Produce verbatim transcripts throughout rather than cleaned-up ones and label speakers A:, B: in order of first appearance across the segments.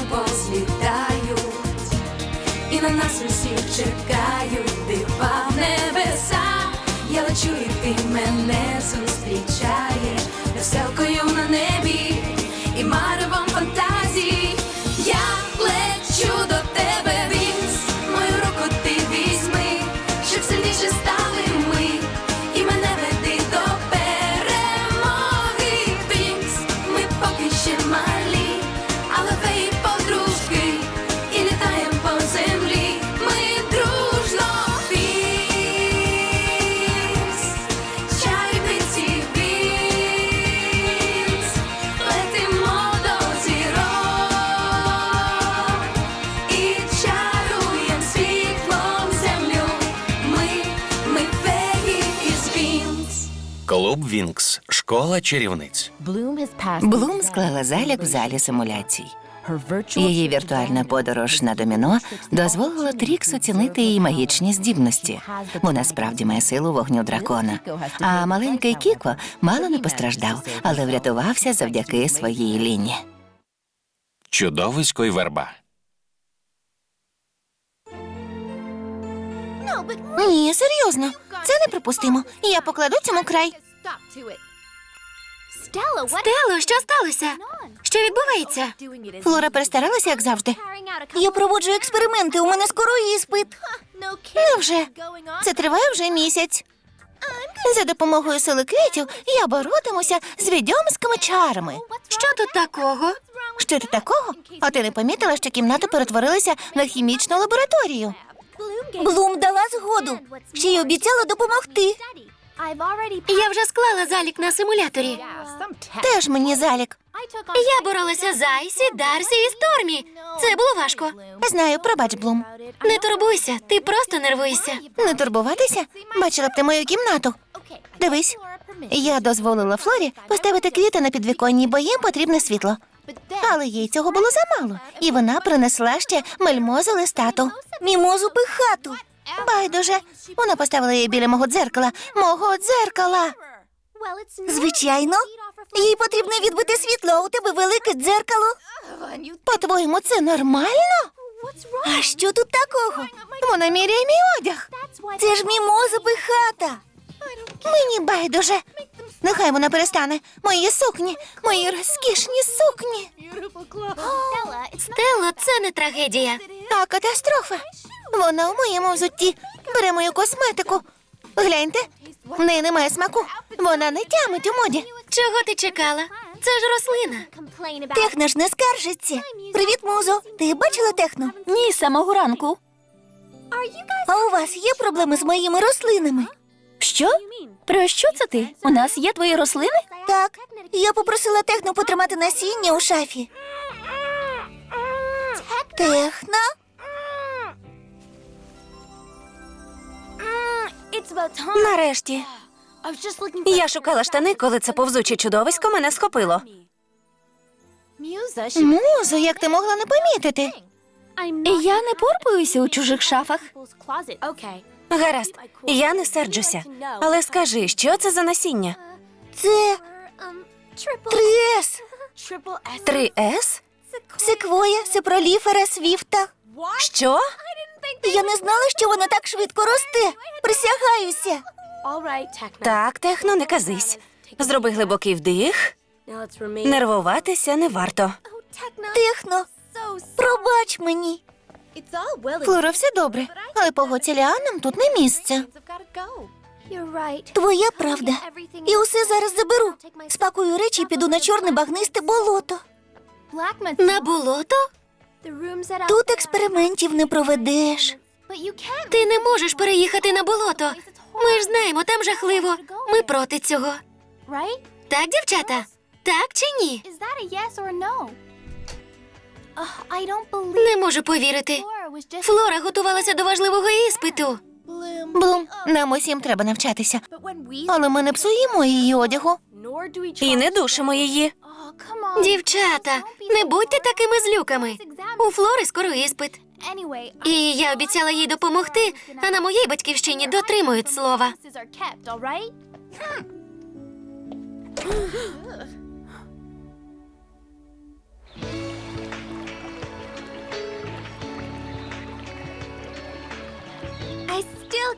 A: позлітають, і на нас усіх чекають дива в небеса. Я лечу, і ти мене зустрічаєш веселкою на небі і маревом фантазій. Я лечу до тебе, Вінкс, мою руку ти візьми, щоб сильніше стали ми, і мене веди до перемоги. Вінкс, ми поки ще малі, але феї подружки, і літаєм по землі ми дружно. Вінкс, чарівниці Вінкс, летимо до зірок і чаруєм світлом землю. Ми, ми феї із Вінкс.
B: Клуб Вінкс. Школа чарівниць.
C: Блум склала залік в залі симуляцій. Її віртуальна подорож на доміно дозволила Трікс оцінити її магічні здібності. Вона справді має силу вогню дракона. А маленький Кіко мало не постраждав, але врятувався завдяки своїй Ліні.
B: Чудовисько й верба.
C: Ні, серйозно, це неприпустимо. Я покладу цьому край.
D: Стело, що сталося? Що відбувається?
C: Флора перестаралася, як завжди. Я проводжу експерименти, у мене скоро іспит. Невже? Це триває вже місяць. За допомогою сили квітів я боротимуся з відьомськими чарами.
D: Що тут такого?
C: Що тут такого? А ти не помітила, що кімната перетворилася на хімічну лабораторію? Блум дала згоду. Ще й обіцяла допомогти.
D: Я вже склала залік на симуляторі.
C: Теж мені залік.
D: Я боролася з Айсі, Дарсі і Стормі. Це було важко.
C: Знаю, пробач, Блум.
D: Не турбуйся, ти просто нервуєшся.
C: Не турбуватися? Бачила б ти мою кімнату. Дивись, я дозволила Флорі поставити квіти на підвіконні, бо їм потрібне світло. Але їй цього було замало, і вона принесла ще мельмозу листату. Мімозу пихату. Байдуже, вона поставила її біля мого дзеркала. Мого дзеркала. Звичайно. Їй потрібно відбити світло, а у тебе велике дзеркало. По-твоєму, це нормально? А що тут такого? Вона міряє мій одяг. Це ж мімоза пихата. Мені байдуже. Нехай вона перестане. Мої сукні, мої розкішні сукні.
D: Стело, це не трагедія.
C: А катастрофа. Вона у моєму взутті. Бере мою косметику. Гляньте, в неї немає смаку. Вона не тямить у моді.
D: Чого ти чекала? Це ж рослина.
C: Техно ж не скаржиться. Привіт, музо. Ти бачила Техно? Ні, з самого ранку. А у вас є проблеми з моїми рослинами? Що? Про що це ти? У нас є твої рослини? Так. Я попросила Техно потримати насіння у шафі. Техно?
E: Нарешті. Я шукала штани, коли це повзуче чудовисько мене схопило.
C: Музо, як ти могла не помітити?
E: Я не порпаюся у чужих шафах. Гаразд, я не серджуся. Але скажи, що це за насіння?
C: Це три ес.
E: Три ес?
C: Секвоя, сепроліфера, свіфта.
E: Що?
C: Я не знала, що вона так швидко росте. Присягаюся.
E: Так, Техно, не казись. Зроби глибокий вдих. Нервуватися не варто.
C: Техно, пробач мені. Флора, все добре, але погодься, ліанам тут не місце. Твоя правда. І усе зараз заберу. Спакую речі і піду на чорне багнисте болото.
D: На болото?
C: Тут експериментів не проведеш.
D: Ти не можеш переїхати на болото. Ми ж знаємо, там жахливо. Ми проти цього. Так, дівчата? Так чи ні? Не можу повірити. Флора готувалася до важливого іспиту.
C: Блум, нам усім треба навчатися. Але ми не псуємо її одягу.
E: І не душимо її.
D: Дівчата, не будьте такими злюками. У Флори скоро іспит. І я обіцяла їй допомогти, а на моїй батьківщині дотримують слова.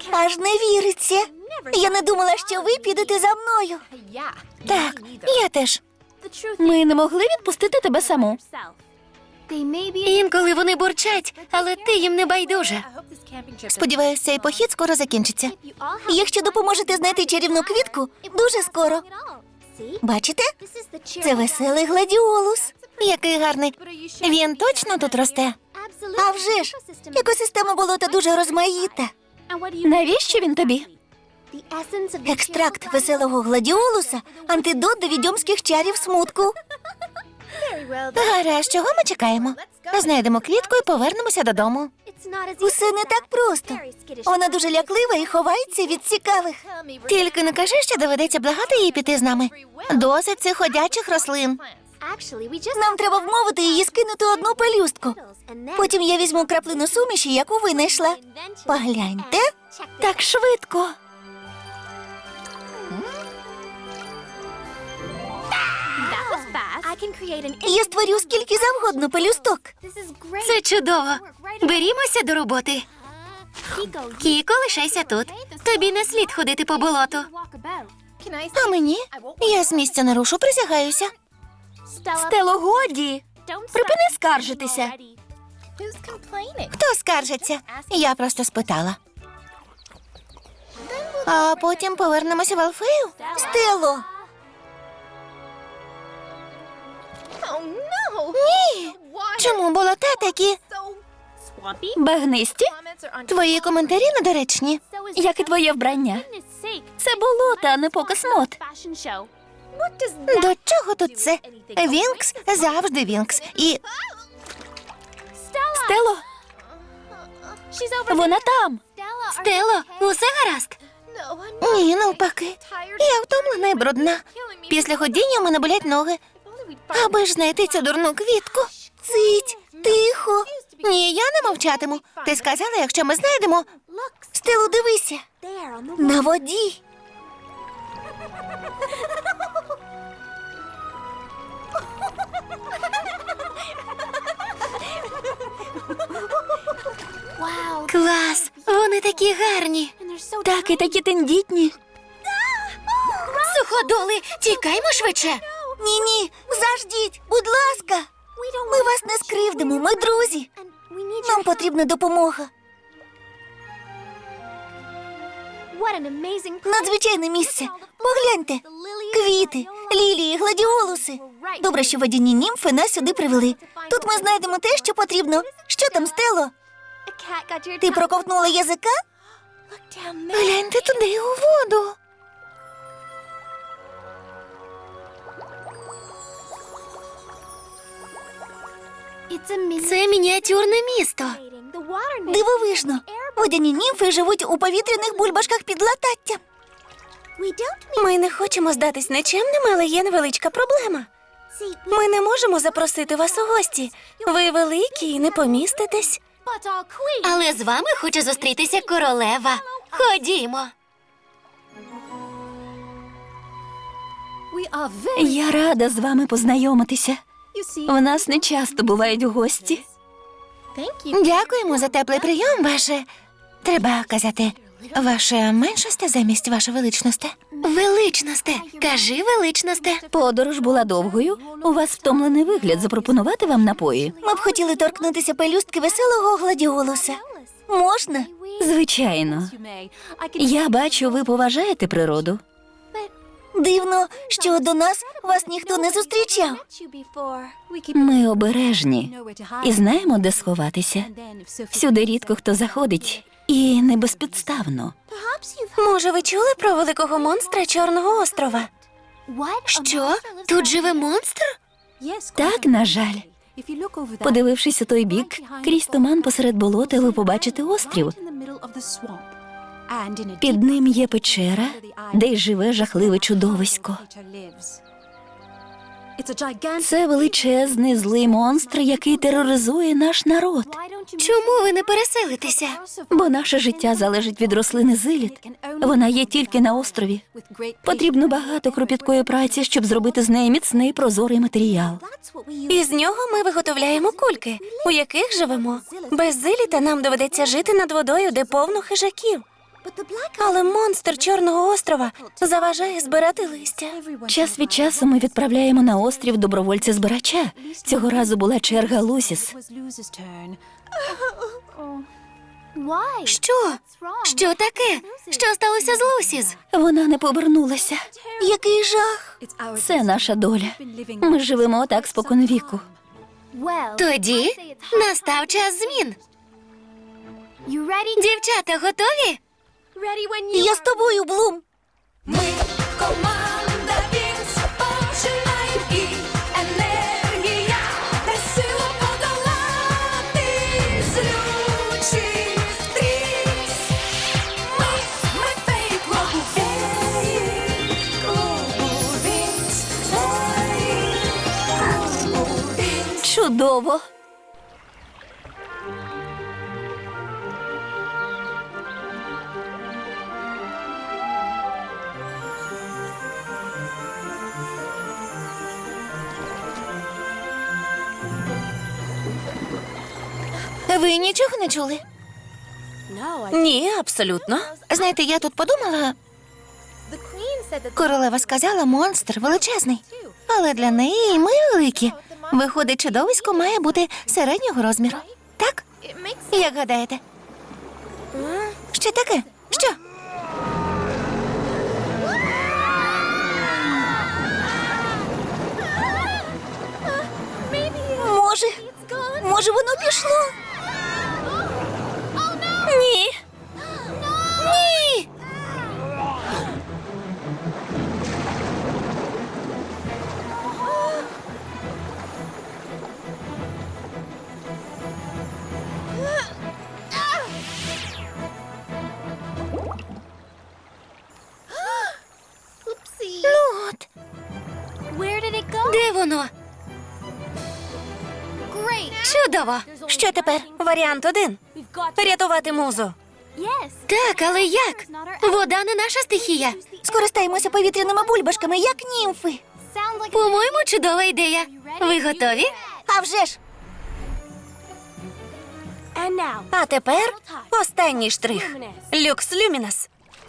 C: Аж не віриться. Я не думала, що ви підете за мною. Так, я теж.
E: Ми не могли відпустити тебе саму.
D: Інколи вони бурчать, але ти їм не байдуже.
C: Сподіваюся, цей похід скоро закінчиться. Якщо допоможете знайти чарівну квітку, дуже скоро. Бачите? Це веселий гладіолус. Який гарний. Він точно тут росте? А вже ж, екосистема болота дуже розмаїта.
E: Навіщо він тобі?
C: Екстракт веселого гладіолуса – антидот до відьомських чарів смутку. Гаразд, чого ми чекаємо? Знайдемо квітку і повернемося додому. Усе не так просто. Вона дуже ляклива і ховається від цікавих. Тільки не кажи, що доведеться благати її піти з нами. Досить цих ходячих рослин. Нам треба вмовити її скинути одну пелюстку. Потім я візьму краплину суміші, яку винайшла. Погляньте.
E: Так швидко.
C: Я створю скільки завгодно пелюсток.
D: Це чудово. Берімося до роботи. Кіко, лишайся тут. Тобі не слід ходити по болоту.
C: А мені? Я з місця не рушу, присягаюся.
E: Стело, годі. Припини скаржитися.
C: Хто скаржиться? Я просто спитала. А потім повернемося в Алфею? Стело! Ні! Чому болота такі?
E: Багнисті,
C: Твої коментарі недоречні.
E: як і твоє вбрання. Це болото, а не показ мод.
C: До чого тут це? Вінкс завжди Вінкс. І
E: Стело, вона там.
D: Стело, усе гаразд?
C: ні, навпаки. Я втомлена і брудна. Після ходіння в мене болять ноги. Аби ж знайти цю дурну квітку. Цить, тихо. Ні, я не мовчатиму. Ти сказала, якщо ми знайдемо... Стелу, дивися. На воді.
D: Клас! Вони такі гарні.
E: Так і такі тендітні.
D: Суходоли, тікаймо швидше.
C: Ні-ні, заждіть, будь ласка. Ми вас не скривдимо, ми друзі. Нам потрібна допомога. Надзвичайне місце. Погляньте. Квіти, лілії, гладіолуси. Добре, що водяні німфи нас сюди привели. Тут ми знайдемо те, що потрібно. Що там, Стело? Ти проковтнула язика? Гляньте туди, у воду.
D: Це мініатюрне місто.
C: Дивовижно. Водяні німфи живуть у повітряних бульбашках під лататтям.
E: Ми не хочемо здатись нечемним, але є невеличка проблема. Ми не можемо запросити вас у гості. Ви великі і не поміститесь.
D: Але з вами хоче зустрітися королева. Ходімо.
E: Я рада з вами познайомитися. В нас не часто бувають гості.
C: Дякуємо за теплий прийом, ваше... Треба казати, ваше меншосте замість ваше величносте.
D: Величносте, кажи величносте.
E: Подорож була довгою. У вас втомлений вигляд. Запропонувати вам напої?
C: Ми б хотіли торкнутися пелюстки веселого гладіолуса. Можна?
E: Звичайно. Я бачу, ви поважаєте природу.
C: Дивно, що до нас вас ніхто не зустрічав.
E: Ми обережні і знаємо, де сховатися. Сюди рідко хто заходить, і не безпідставно.
D: Може, ви чули про великого монстра Чорного острова? Що? Тут живе монстр?
E: Так, на жаль. Подивившись у той бік, крізь туман посеред болота ви побачите острів. Під ним є печера, де й живе жахливе чудовисько. Це величезний злий монстр, який тероризує наш народ.
D: Чому ви не переселитеся?
E: Бо наше життя залежить від рослини зиліт. Вона є тільки на острові. Потрібно багато кропіткої праці, щоб зробити з неї міцний прозорий матеріал.
D: І з нього ми виготовляємо кульки, у яких живемо. Без зиліта нам доведеться жити над водою, де повно хижаків.
E: Але монстр Чорного острова заважає збирати листя.
F: Час від часу ми відправляємо на острів добровольця-збирача. Цього разу була черга Лусіс.
D: Що? Що таке? Що сталося з Лусіз?
F: Вона не повернулася.
E: Який жах!
F: Це наша доля. Ми живемо так споконвіку.
D: Тоді настав час змін. Дівчата, готові?
E: Я з тобою, Блум!
A: Ми команда Вінкс, починаємо і енергія, де сила подолати злючий стріс. Ми, ми фей клубу Вінкс, клубу Вінкс, ой, клубу Вінкс.
F: Чудово!
C: Ви нічого не чули?
E: Ні, абсолютно.
C: Знаєте, я тут подумала. Королева сказала, монстр величезний. Але для неї і ми великі. Виходить, чудовисько має бути середнього розміру. Так? Як гадаєте? Що таке? Що?
E: Може, може воно пішло? Ні.
D: Ні!
C: Ну от.
D: Де воно? Чудово!
C: Що тепер?
E: Варіант один. Рятувати музу.
D: Так, але як? Вода не наша стихія.
C: Скористаємося повітряними бульбашками, як німфи.
D: По-моєму, чудова ідея. Ви готові?
C: А вже ж.
E: А тепер останній штрих. Люкс Люмінас.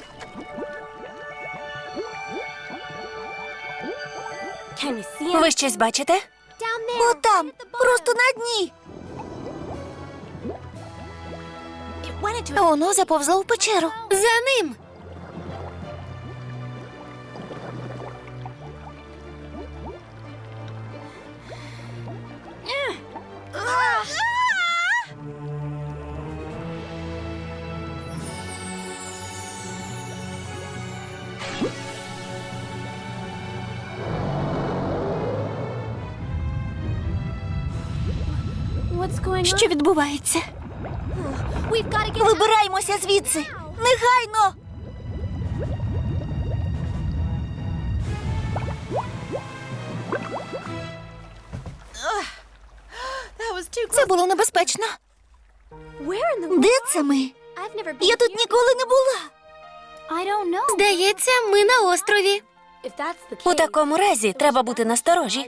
E: Ви щось бачите?
C: Отам, просто на дні. Воно заповзло в печеру.
D: За ним.
F: Що відбувається?
C: Вибираємося звідси. Негайно. Це було небезпечно. Де це ми? Я тут ніколи не була.
D: Здається, ми на острові.
E: У такому разі треба бути насторожі.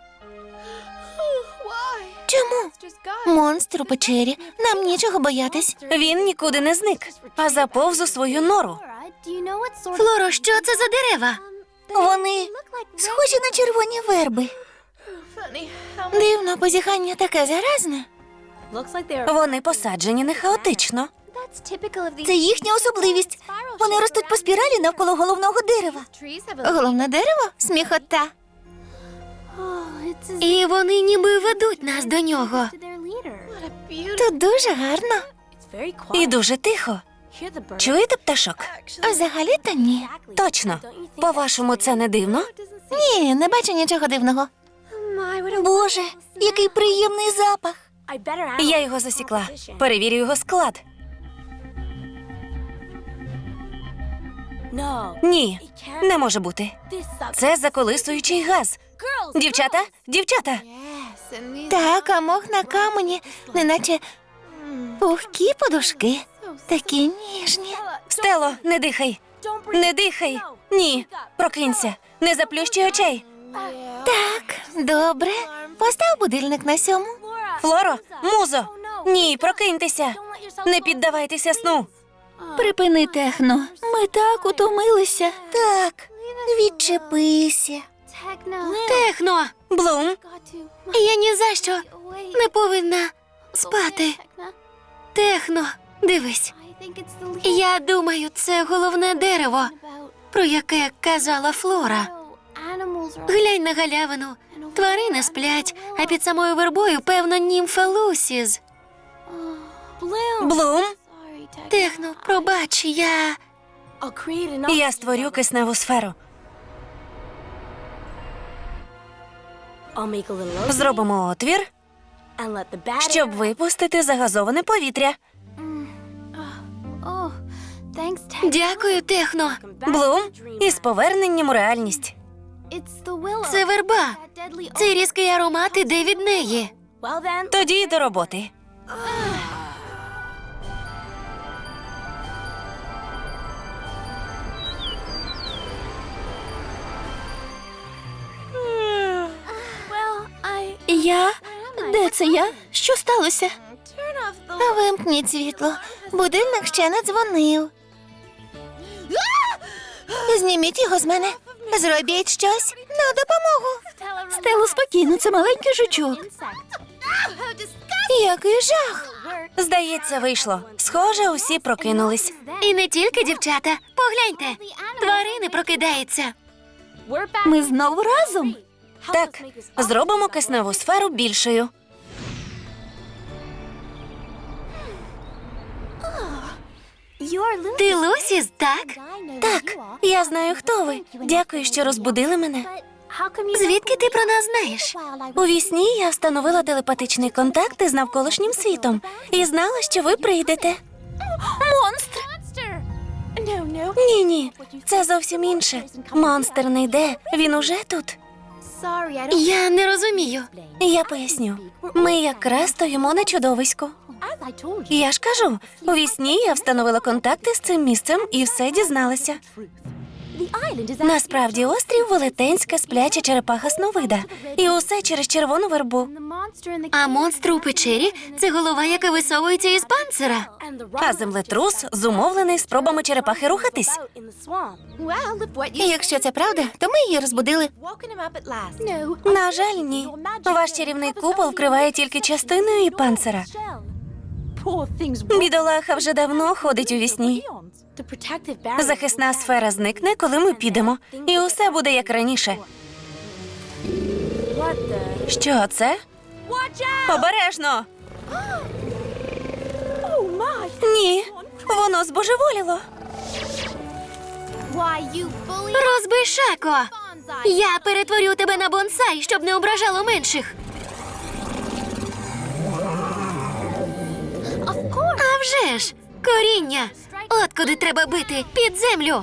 C: Чому? Монстр у печері. Нам нічого боятись.
E: Він нікуди не зник, а заповз у свою нору.
D: Флоро, що це за дерева?
C: Вони схожі на червоні верби. Дивно, позіхання таке заразне.
E: Вони посаджені не хаотично.
C: Це їхня особливість. Вони ростуть по спіралі навколо головного дерева. Головне дерево? Сміхота.
D: І вони ніби ведуть нас до нього.
C: Тут дуже гарно.
E: І дуже тихо. Чуєте пташок?
C: А взагалі-то ні.
E: Точно. По-вашому, це не дивно?
C: Ні, не бачу нічого дивного. Боже, який приємний запах.
E: Я його засікла. Перевірю його склад. Ні, не може бути. Це заколисуючий газ. Дівчата, дівчата,
C: Так, а мох на камені, неначе пухкі подушки. Такі ніжні.
E: Стело, не дихай. Не дихай. Ні, прокинься. Не заплющуй очей.
C: Так, добре. Постав будильник на сьому.
E: Флоро, музо. Ні, прокиньтеся. Не піддавайтеся сну.
F: Припини, Техно. Ми так утомилися.
C: Так, відчепися.
D: Техно!
E: Блум,
D: Я ні за що не повинна спати. Техно, дивись. Я думаю, це головне дерево, про яке казала Флора. Глянь на галявину. Тварини сплять, а під самою вербою, певно, німфа Лусіз.
E: Блум,
D: Техно, пробач, я...
E: я створю кисневу сферу. Зробимо отвір, щоб випустити загазоване повітря.
D: Дякую, Техно.
E: Блум, із поверненням у реальність.
D: Це верба. Цей різкий аромат іде від неї.
E: Тоді й до роботи.
F: Я? Де це я? Що сталося?
C: Вимкніть світло. Будильник ще не дзвонив. Зніміть його з мене. Зробіть щось на допомогу.
F: Стело, спокійно, це маленький жучок.
C: Який жах.
E: Здається, вийшло. Схоже, усі прокинулись.
D: І не тільки дівчата. Погляньте, тварини прокидаються.
F: Ми знову разом.
E: Так, зробимо кисневу сферу більшою.
D: Ти Лусіз, так?
E: Так, я знаю, хто ви. Дякую, що розбудили мене.
D: Звідки ти про нас знаєш?
E: У вісні я встановила телепатичний контакт із навколишнім світом і знала, що ви прийдете.
F: Монстр!
E: Ні-ні, це зовсім інше. Монстр не йде, він уже тут.
D: Я не розумію.
E: Я поясню. Ми якраз стоїмо на чудовиську. Я ж кажу, у вісні я встановила контакти з цим місцем і все дізналася. Насправді острів велетенська спляча черепаха Сновида. І усе через червону вербу.
D: А монстр у печері – це голова, яка висовується із панцира.
E: А землетрус зумовлений спробами черепахи рухатись.
C: І якщо це правда, то ми її розбудили.
E: На жаль, ні. Ваш чарівний купол вкриває тільки частину її панцира. Бідолаха вже давно ходить у вісні. Захисна сфера зникне, коли ми підемо. І усе буде як раніше. Що це? Обережно! Ні, воно збожеволіло.
D: Розбишако! Я перетворю тебе на бонсай, щоб не ображало менших. А вже ж! Коріння! От куди треба бити! Під землю!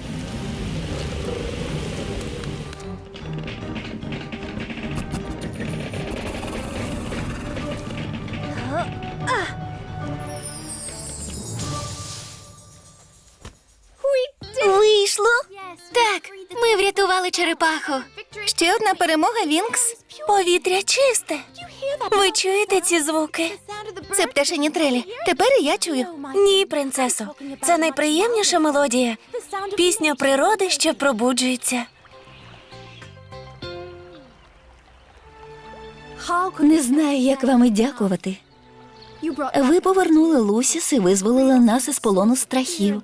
C: Вийшло.
D: Так, ми врятували черепаху.
C: Ще одна перемога, Вінкс.
E: Повітря чисте. Ви чуєте ці звуки?
C: Це пташині трелі. Тепер і я чую.
E: Ні, принцесо. Це найприємніша мелодія. Пісня природи, що пробуджується.
F: Не знаю, як вам і дякувати. Ви повернули Лусіс і визволили нас із полону страхів.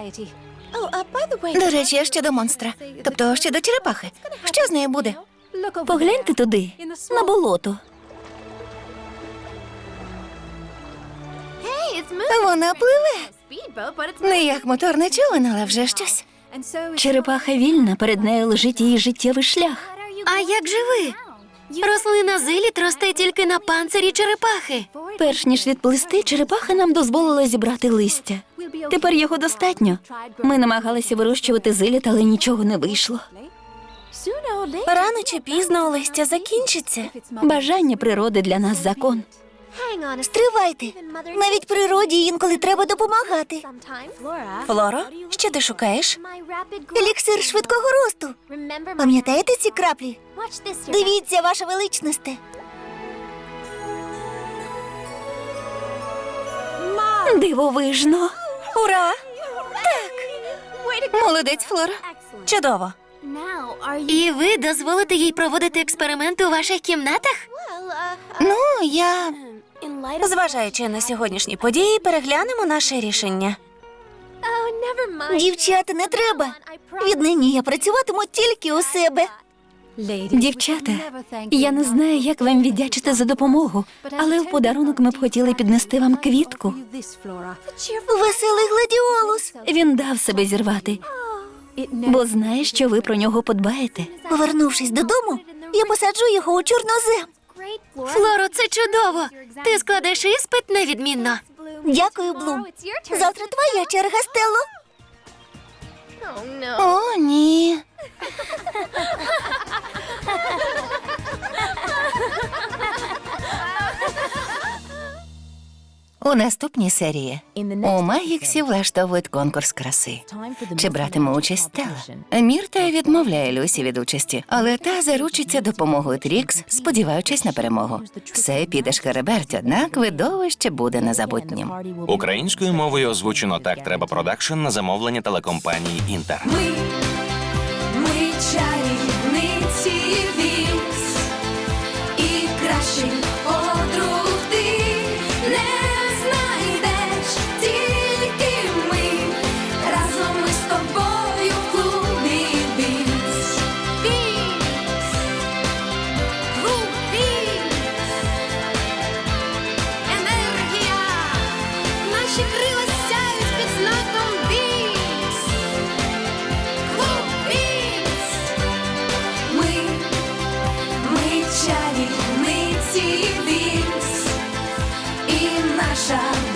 C: До речі, а щодо монстра. Тобто щодо черепахи. Що з нею буде?
F: Погляньте туди, на болото.
C: Вона пливе. Не як моторне човен, але вже щось.
F: Черепаха вільна, перед нею лежить її життєвий шлях.
D: А як же ви? Рослина зиліт росте тільки на панцирі черепахи.
F: Перш ніж відплисти, черепаха нам дозволила зібрати листя. Тепер його достатньо. Ми намагалися вирощувати зиліт, але нічого не вийшло.
E: Рано чи пізно листя закінчиться.
F: Бажання природи для нас закон.
C: Стривайте. Навіть природі інколи треба допомагати.
E: Флоро, що ти шукаєш?
C: Еліксир швидкого росту. Пам'ятаєте ці краплі? Дивіться, ваша величносте.
F: Дивовижно.
E: Ура!
C: Молодець, Флора.
E: Чудово!
D: І ви дозволите їй проводити експерименти у ваших кімнатах?
C: Ну, я.
E: Зважаючи на сьогоднішні події, переглянемо наше рішення.
C: Дівчата, не треба. Віднині я працюватиму тільки у себе.
F: Дівчата, я не знаю, як вам віддячити за допомогу, але в подарунок ми б хотіли піднести вам квітку.
C: Веселий гладіолус.
F: Він дав себе зірвати, бо знає, що ви про нього подбаєте.
C: Повернувшись додому, я посаджу його у чорнозем.
D: Флоро, це чудово! Ти складеш іспит невідмінно.
C: Дякую, Блум. Завтра твоя черга, Стелло. О, ні. У наступній серії у Магіксі влаштовують конкурс краси. Чи братиме участь Стелла? Мірта відмовляє Люсі від участі, але та заручиться допомогою Трікс, сподіваючись на перемогу. Все піде шкереберть, однак видовище буде незабутнім.
B: Українською мовою озвучено «Так треба» продакшн на замовлення телекомпанії «Інтер».
A: Ми, ми чарівниці Вінкс, і кращих подруг ти не знайдеш, тільки ми, разом ми з тобою в клубі Вінкс. Вінкс, клуб Вінкс, енергія, наші крила сяють під знаком Вінкс. Клуб Вінкс. Ми, ми чарівниці Вінкс, і наша